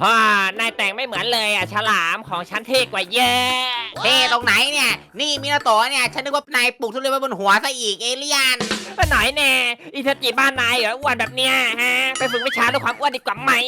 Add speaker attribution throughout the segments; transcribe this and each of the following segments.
Speaker 1: ฮ่านายแต่งไม่เหมือนเลยฉลามของฉันเท่กว่าเยอะ
Speaker 2: เท่ตรงไหนเนี่ยนี่มินาโตะเนี่ยฉันนึกว่านายปลูกทุเรียนไว้บนหัวซะอีกเอเลี่ยน
Speaker 1: ก็หน่อยแน่อิทาจิบ้านนายเหรออ้วนแบบเนี้ยฮะไปฝึกวิชาด้วยความอ้วนดีกว่าไหม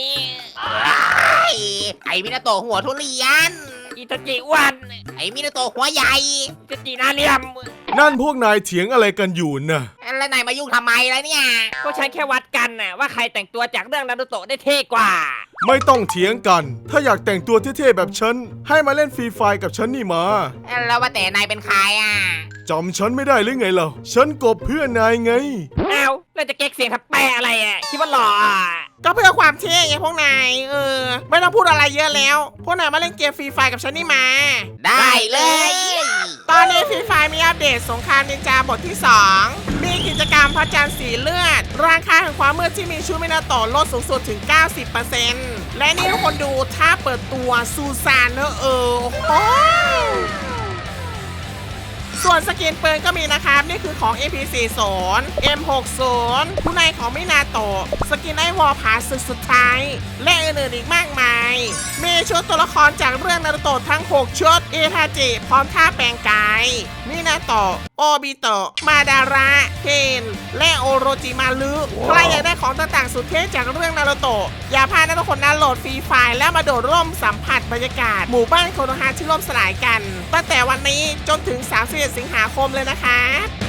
Speaker 2: ไอ้มินาโตะหัวทุเรียน
Speaker 1: อิทาจิอ้วน
Speaker 2: ไอ้มินาโตะหัวใหญ่
Speaker 1: อิทาจิหน้าเหลี่ยม
Speaker 3: นั่นพวกนายเถียงอะไรกันอยู่น่ะ
Speaker 2: แล้วนายมายุ่งทำไมล่ะเนี่ย
Speaker 1: ก็ฉันแค่วัดกันน่ะว่าใครแต่งตัวจากเรื่องนารูโตะได้เท่กว่า
Speaker 3: ไม่ต้องเถียงกัน ถ้าอยากแต่งตัวเท่ๆแบบฉันให้มาเล่นฟรีไฟร์กับฉันนี่มา
Speaker 2: แล้วว่าแต่นายเป็นใครอ่ะ
Speaker 3: จำฉันไม่ได้หรือไงล่ะฉันกบเพื่อนนายไง
Speaker 1: อ้าวแล้วจะเก๊กเสียงทับแปะอะไรคิดว่าหล่อ
Speaker 4: ก็เพื่อความเท่ไงพวกนายไม่ต้องพูดอะไรเยอะแล้วพวกนายมาเล่นเกมฟรีไฟกับฉันนี่มา
Speaker 2: ได้เลย
Speaker 4: ตอนนี้ฟรีไฟมีอัปเดตสงครามนินจาบทที่ 2 มีกิจกรรมพระจันทร์สีเลือดราคาแห่งความมืดที่มีชุดมินาโตะลดสูงสุดถึง 90% และนี่ทุกคนดูถ้าเปิดตัวซูซานเนอะโอ้ส่วนสกินปืนก็มีนะครับ นี่คือของ AP40 M60 ผู้นายของมินาโตะสกินไอวอลผาสุดสุดท้าย และอื่นๆอีกมากมาย มีชุดตัวละครจากเรื่องนารูโตะทั้ง 6 ชุดอิทาจิพร้อมท่าแปลงกายมินาโตะโอบิโตะมาดาระเคนและโอโรจิมารุใครอยากได้ของต่างๆสุดเท่จากเรื่องนารูโตะอย่าพลาดนะทุกคนนะโหลดฟรีไฟล์แล้วมาโดดร่มสัมผัสบรรยากาศหมู่บ้านโคโนฮะที่ล่มสลายกันตั้งแต่วันนี้จนถึง31 สิงหาคมเลยนะคะ